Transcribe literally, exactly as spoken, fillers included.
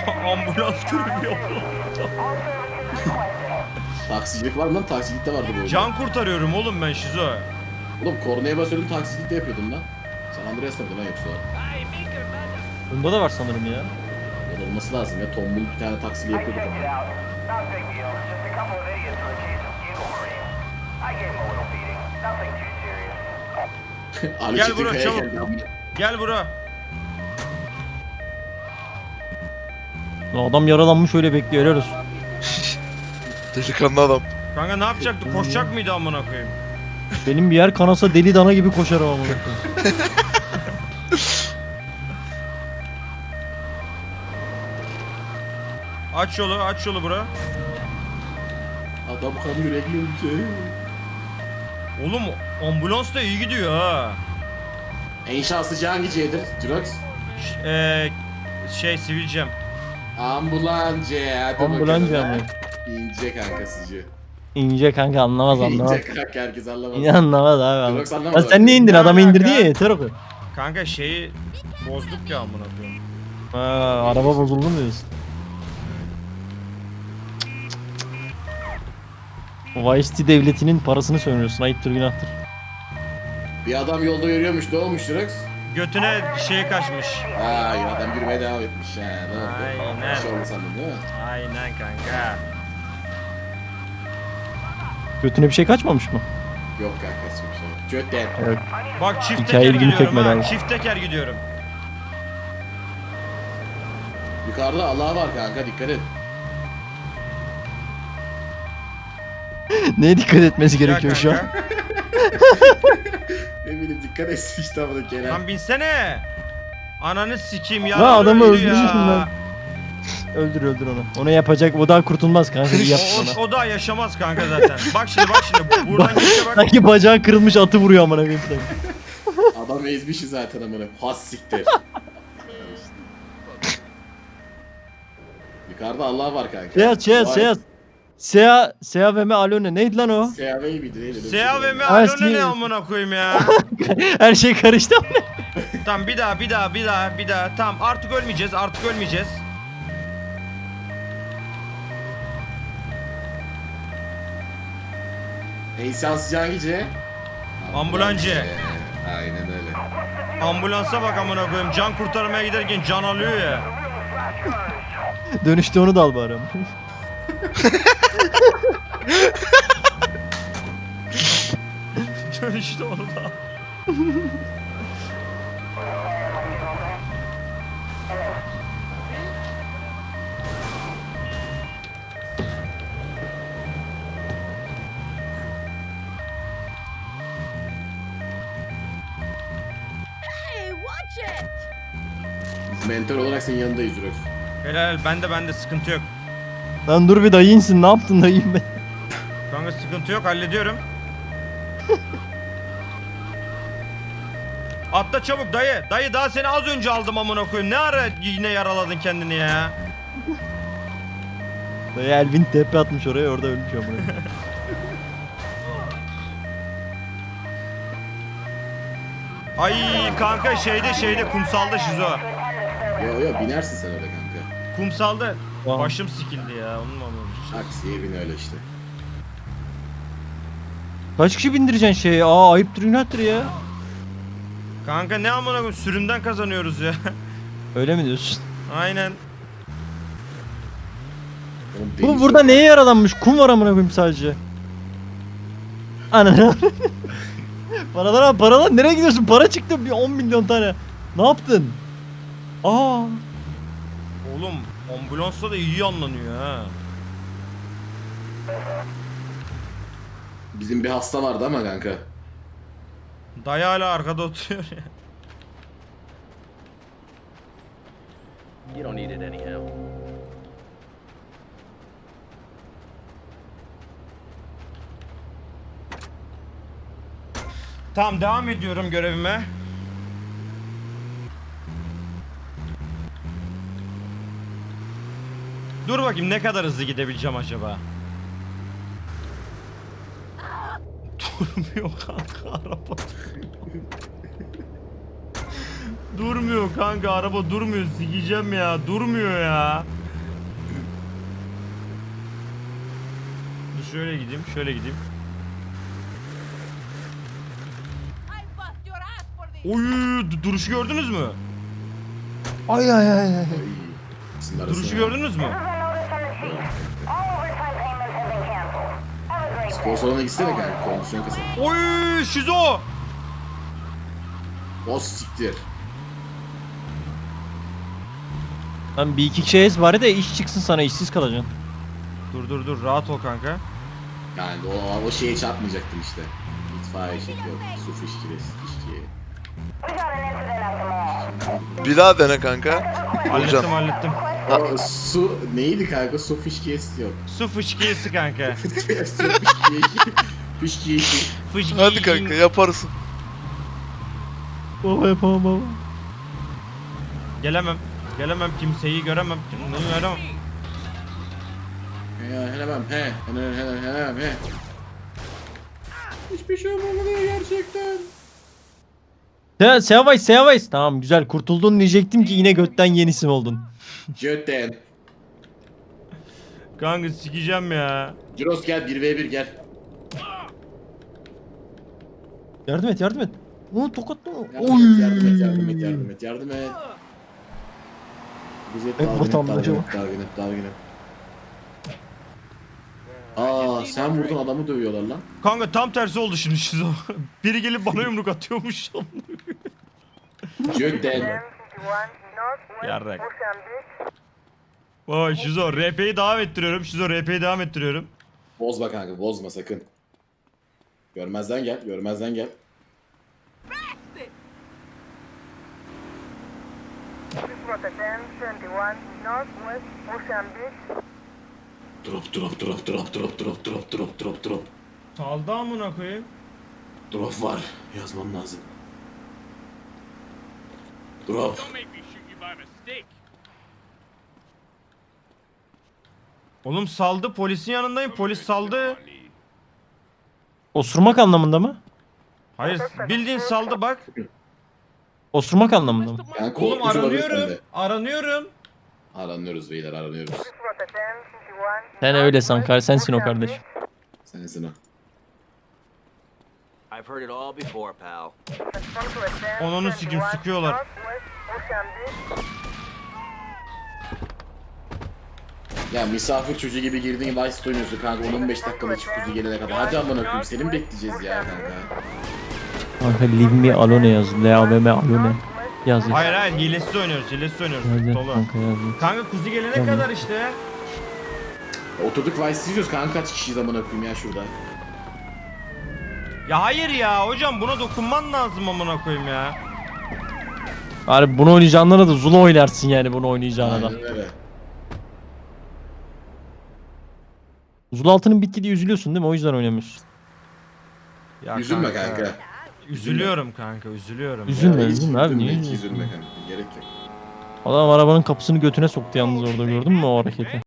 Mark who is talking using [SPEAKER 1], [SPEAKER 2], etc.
[SPEAKER 1] Ambulans görevi yapıyor.
[SPEAKER 2] Taksicilik var mı lan? Taksicilik de vardı böyle.
[SPEAKER 1] Can kurtarıyorum oğlum ben şizo.
[SPEAKER 2] Oğlum kornaya basıyordum, taksicilik de yapıyordum lan. San Andreas'ta mıydı lan yoksa?
[SPEAKER 3] Bunda da var sanırım ya.
[SPEAKER 2] Ya olması lazım ya. Tombul bir tane taksili yapıyorduk ama. Ali
[SPEAKER 1] Gel
[SPEAKER 2] Çetin
[SPEAKER 1] bura,
[SPEAKER 2] Kaya
[SPEAKER 1] çabuk.
[SPEAKER 2] geldi.
[SPEAKER 1] Gel bura.
[SPEAKER 3] Lan adam yaralanmış öyle bekliyor, helal olsun.
[SPEAKER 4] Delikanlı adam.
[SPEAKER 1] Kanka ne yapacaktı? Koşacak mıydı amına koyayım?
[SPEAKER 3] Benim bir yer kanasa deli dana gibi koşarım ama.
[SPEAKER 1] Aç yolu, aç yolu bura.
[SPEAKER 2] Adam kan yürekliymiş ya.
[SPEAKER 1] Oğlum ambulans da iyi gidiyor ha.
[SPEAKER 2] En şanslıcı hangi C'dir? Jirox?
[SPEAKER 1] Ş- Eee şey sivilcem.
[SPEAKER 2] Ambulancı. Hadi
[SPEAKER 3] Ambulancı
[SPEAKER 2] bakalım.
[SPEAKER 3] mı?
[SPEAKER 2] İnce kankasıcı.
[SPEAKER 3] İnce kanka, anlamaz anlamaz.
[SPEAKER 2] İnce kanka, herkes anlamaz.
[SPEAKER 3] İyi anlamaz abi.
[SPEAKER 2] Jirox
[SPEAKER 3] Anlamaz.
[SPEAKER 2] anlamadı.
[SPEAKER 3] Lan sen niye indin?
[SPEAKER 1] Ne
[SPEAKER 3] Adamı
[SPEAKER 1] alaka?
[SPEAKER 3] indirdi ya, yeter o kadar.
[SPEAKER 1] Kanka şeyi bozduk ya amına koyayım.
[SPEAKER 3] Ha, araba bozuldu mu diyorsun? Vice City devletinin parasını sömürüyorsun, ayıptır günahtır.
[SPEAKER 2] Bir adam yolda yürüyormuş, ne olmuş Jirox?
[SPEAKER 1] Götüne şey kaçmış.
[SPEAKER 2] Ha ya, adam yürümeye devam etmiş ha. Ne oldu?
[SPEAKER 1] Aynen.
[SPEAKER 2] Bir şey oldu sandım değil mi?
[SPEAKER 1] Aynen kanka.
[SPEAKER 3] Götüne bir şey kaçmamış mı?
[SPEAKER 2] Yok kanka, hiçbir şey yok. Götten.
[SPEAKER 3] Evet.
[SPEAKER 1] Bak çift
[SPEAKER 3] Hikaye
[SPEAKER 1] teker
[SPEAKER 3] ilgimi
[SPEAKER 1] gidiyorum
[SPEAKER 3] çekmedi
[SPEAKER 1] ha.
[SPEAKER 3] abi.
[SPEAKER 1] Çift teker gidiyorum.
[SPEAKER 2] Yukarıda Allah var kanka, dikkat et.
[SPEAKER 3] Neye dikkat etmesi
[SPEAKER 1] Ya
[SPEAKER 3] gerekiyor şu an?
[SPEAKER 1] kanka.
[SPEAKER 2] Ne bileyim, dikkat etsin işte bunu Kenan.
[SPEAKER 1] Lan binsene. Ananı sikeyim ya.
[SPEAKER 3] Lan adamı
[SPEAKER 1] Öldü
[SPEAKER 3] öldürmüşsün
[SPEAKER 1] ya.
[SPEAKER 3] lan. Öldür öldür onu. Ona yapacak, o daha kurtulmaz kanka. İyi yaptın
[SPEAKER 1] O,
[SPEAKER 3] ona.
[SPEAKER 1] o, o daha yaşamaz kanka zaten. Bak şimdi bak şimdi. Buradan geçe bak.
[SPEAKER 3] Sanki bacağı kırılmış, atı vuruyor amına koyayım sen.
[SPEAKER 2] Adam ezmişi zaten amına. Has siktir. Yukarıda Allah var kanka.
[SPEAKER 3] Şey yaz şey yaz şey yaz. Sea, Sea ve me Alone neydi lan o?
[SPEAKER 2] S A V miydi neydi?
[SPEAKER 1] S A V M
[SPEAKER 3] Ha,
[SPEAKER 1] Alone
[SPEAKER 3] sinir-
[SPEAKER 1] ne amına koyayım ya.
[SPEAKER 3] Her şey karıştı.
[SPEAKER 1] Tamam bir daha bir daha bir daha bir daha. Tamam artık ölmeyeceğiz artık ölmeyeceğiz.
[SPEAKER 2] En şanslıcı hangi C?
[SPEAKER 1] Ambulancı.
[SPEAKER 2] Aynen öyle.
[SPEAKER 1] Ambulansa bak amına koyayım. Can kurtarmaya giderken can alıyor ya.
[SPEAKER 3] Dönüşte onu da al bari.
[SPEAKER 1] işte onu da.
[SPEAKER 5] Hey, watch it!
[SPEAKER 2] Biz mentor olarak senin yanındayız Jirox.
[SPEAKER 1] Helal bende bende sıkıntı yok.
[SPEAKER 3] Lan dur bir dayı insin, ne yaptın dayıyım ben?
[SPEAKER 1] Kanka sıkıntı yok hallediyorum. Atla çabuk dayı. Dayı daha seni az önce aldım amına koyayım. Ne ara yine yaraladın kendini ya?
[SPEAKER 3] Dayı Elvin tepe atmış oraya, orada ölmüş amına.
[SPEAKER 1] Ay kanka şeyde şeyde kumsalda şizo.
[SPEAKER 2] Yo yo, binersin sen orada kanka.
[SPEAKER 1] Kumsalda
[SPEAKER 3] Tamam.
[SPEAKER 1] başım sikildi ya. Onun mu anlamış?
[SPEAKER 2] Aksiye bin öyle işte.
[SPEAKER 3] Kaç kişi bindireceksin şeye? Aa ayıptır günahtır ya.
[SPEAKER 1] Kanka ne amına koyayım sürümden kazanıyoruz ya.
[SPEAKER 3] Öyle mi diyorsun?
[SPEAKER 1] Aynen.
[SPEAKER 2] Oğlum
[SPEAKER 3] Bu
[SPEAKER 2] deniz
[SPEAKER 3] burada
[SPEAKER 2] yok.
[SPEAKER 3] neye yaralanmış? Kum var amına koyayım sadece. Ananı. Paralar abi, paralar nereye gidiyorsun? Para çıktı bir on milyon tane. Ne yaptın? Aa.
[SPEAKER 1] Oğlum ambulansla da iyi anlanıyor ha.
[SPEAKER 2] Bizim bir hasta vardı ama kanka.
[SPEAKER 1] Dayı hala arkada oturuyor ya.
[SPEAKER 6] You don't need it anyhow.
[SPEAKER 1] Tamam devam ediyorum görevime. Dur bakayım ne kadar hızlı gidebileceğim acaba? Durmuyor kanka araba. Durmuyor kanka, araba durmuyor, sikeceğim ya, durmuyor ya. Dur şöyle gideyim, şöyle gideyim.
[SPEAKER 5] I bust your ass for this.
[SPEAKER 1] Oy, du- duruşu gördünüz mü?
[SPEAKER 3] Ay ay ay ay.
[SPEAKER 2] Ay. İkisinin arasında.
[SPEAKER 1] Duruşu gördünüz mü?
[SPEAKER 2] Spor salonuna gitsene kanka. Kondisyon kasabı.
[SPEAKER 1] Oy, şizo.
[SPEAKER 2] O siktir.
[SPEAKER 3] Lan bir iki kişi ez bari de iş çıksın sana, işsiz kalacaksın.
[SPEAKER 1] Dur dur dur, rahat ol kanka.
[SPEAKER 2] Yani o, o şeye çarpmayacaktım işte. İtfaiye şey yok. Su fışkiri, fışkiye.
[SPEAKER 4] Bir daha dene kanka.
[SPEAKER 1] Hallettim
[SPEAKER 4] Vuracağım.
[SPEAKER 1] hallettim.
[SPEAKER 2] O su neydi kanka? Su fışkiyesi yok.
[SPEAKER 1] Su fışkiyesi kanka.
[SPEAKER 2] Su fışkiyesi. Fışkiyesi.
[SPEAKER 1] Fışki.
[SPEAKER 4] Hadi kanka yaparsın.
[SPEAKER 3] Baba yapamam baba.
[SPEAKER 1] Gelemem. Gelemem, kimseyi göremem. Kimseyi göremem.
[SPEAKER 2] He helemem he. Helemem helemem helemem he. Hiçbir şey olmamalı gerçekten.
[SPEAKER 3] Se Seavays Seavays. Tamam güzel kurtuldun diyecektim ki yine götten yenisim oldun.
[SPEAKER 2] Jöten.
[SPEAKER 1] Kanka sikeceğim ya.
[SPEAKER 2] Ciros gel bir ve bir gel.
[SPEAKER 3] Yardım et yardım et. Oo tokatla.
[SPEAKER 2] Yardım et, yardım et, yardım et, yardım et, yardım et. Güzel
[SPEAKER 3] Hep
[SPEAKER 2] dalgın et,
[SPEAKER 3] vatandaşı
[SPEAKER 2] dalgın et, dalgın et, dalgın et. Aa sen vurdun adamı dövüyorlar lan.
[SPEAKER 1] Kanka tam tersi oldu şimdi şizo. Biri gelip bana yumruk atıyormuş.
[SPEAKER 2] Jöten.
[SPEAKER 1] Yarrak. Vay şizo, R P'yi devam ettiriyorum. Şizo, R P'yi devam ettiriyorum.
[SPEAKER 2] Bozma kanka, bozma sakın. Görmezden gel, görmezden gel. Drop, drop, drop, drop, drop, drop, drop, drop, drop, drop.
[SPEAKER 1] Saldı amına koyayım.
[SPEAKER 2] Drop var, yazmam lazım. Drop.
[SPEAKER 1] Oğlum saldı, polisin yanındayım. Polis saldı.
[SPEAKER 3] Osurmak anlamında mı?
[SPEAKER 1] Hayır, bildiğin saldı bak.
[SPEAKER 3] Osurmak anlamında mı?
[SPEAKER 2] Yani
[SPEAKER 1] Oğlum
[SPEAKER 2] korkucu olabilir
[SPEAKER 1] aranıyorum.
[SPEAKER 2] sende.
[SPEAKER 1] Aranıyorum.
[SPEAKER 2] Aranıyoruz beyler, aranıyoruz.
[SPEAKER 3] Sen öyle san kar sensin o kardeş.
[SPEAKER 2] Sensin o.
[SPEAKER 6] I've heard it all before, pal.
[SPEAKER 1] Onunu sikim sıkıyorlar.
[SPEAKER 2] Ya misafir çocuğu gibi girdiğin Vice'de oynuyorsun kanka on on beş dakikada çık kuzu gelene kadar. Hadi amına koyayım seni mi bekleyeceğiz ya kanka?
[SPEAKER 3] Kanka leave me alone yaz. L A V M alone. Yaz. yaz.
[SPEAKER 1] Hayır hayır, hilesiz oynuyoruz, hilesiz oynuyoruz.
[SPEAKER 3] Hadi
[SPEAKER 1] Dolu.
[SPEAKER 3] kanka yaz. yaz.
[SPEAKER 1] Kanka kuzu gelene
[SPEAKER 3] Tamam.
[SPEAKER 1] kadar işte.
[SPEAKER 2] Oturduk Vice izliyoruz kanka kaç kişiyiz amına koyayım ya şurada.
[SPEAKER 1] Ya hayır ya hocam, buna dokunman lazım amına koyayım ya.
[SPEAKER 3] Abi bunu oynayacağınlara da Zula oynarsın yani bunu oynayacağına da.
[SPEAKER 2] Aynen öyle.
[SPEAKER 3] Zula altının bitti diye üzülüyorsun değil mi? O yüzden oynamıyorsun.
[SPEAKER 1] Ya
[SPEAKER 2] Üzülme kanka.
[SPEAKER 1] Üzülüyorum kanka, üzülüyorum.
[SPEAKER 3] Üzülme,
[SPEAKER 2] Ya hiç
[SPEAKER 3] üzülme abi, niye
[SPEAKER 2] hiç
[SPEAKER 3] üzülüyorsun?
[SPEAKER 2] üzülme kanka. Gerek yok.
[SPEAKER 3] Adam arabanın kapısını götüne soktu yalnız orada, gördün mü o hareketi?